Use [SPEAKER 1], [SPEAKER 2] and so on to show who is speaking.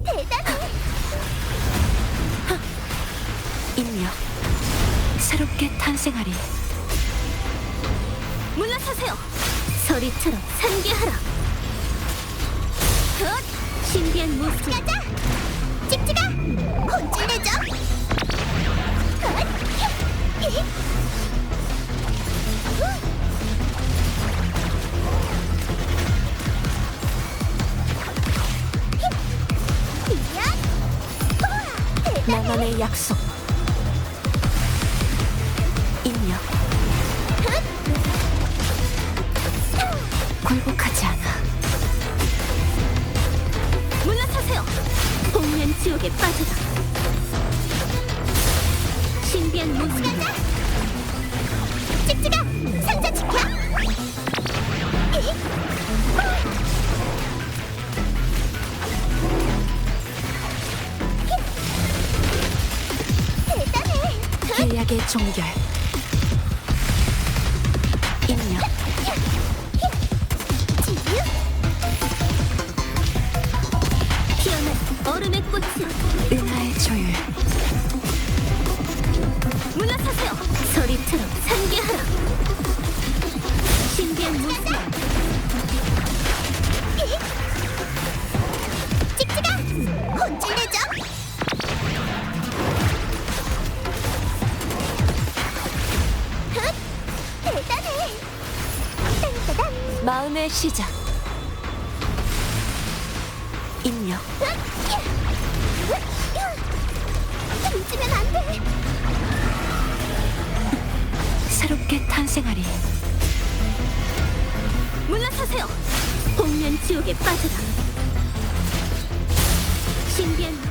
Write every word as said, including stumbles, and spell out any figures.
[SPEAKER 1] 대단해.
[SPEAKER 2] 인력 새롭게 탄생하리.
[SPEAKER 1] 물러서세요. 서리처럼 산계하라. 헛! 신비한 모습. 가자. 찍찍아. 혼쭐내죠. 헛! 히! 후! 이야! 우와! 대단해.
[SPEAKER 2] 나만의 약속. 인력 굴복하지 않아.
[SPEAKER 1] 물러서세요. 복면 지옥에 빠져라. 신비한 모습. 가자. 찍찍아. 상자 지켜. 히! 대단해.
[SPEAKER 2] 계약의 종결. 인력
[SPEAKER 1] 지유. 피어난 얼음의 꽃은
[SPEAKER 2] 은하의 조율.
[SPEAKER 1] 물러서세요. 서리처럼 산계하라. 신비한 모습. 찍찍아. 혼쭐내죠. 흑! 대단해. 딴따단.
[SPEAKER 2] 마음의 시작. 인력
[SPEAKER 1] 던지면 안 돼.
[SPEAKER 2] 새롭게 탄생하리.
[SPEAKER 1] 물러서세요. 복면 지옥에 빠져라. 신비한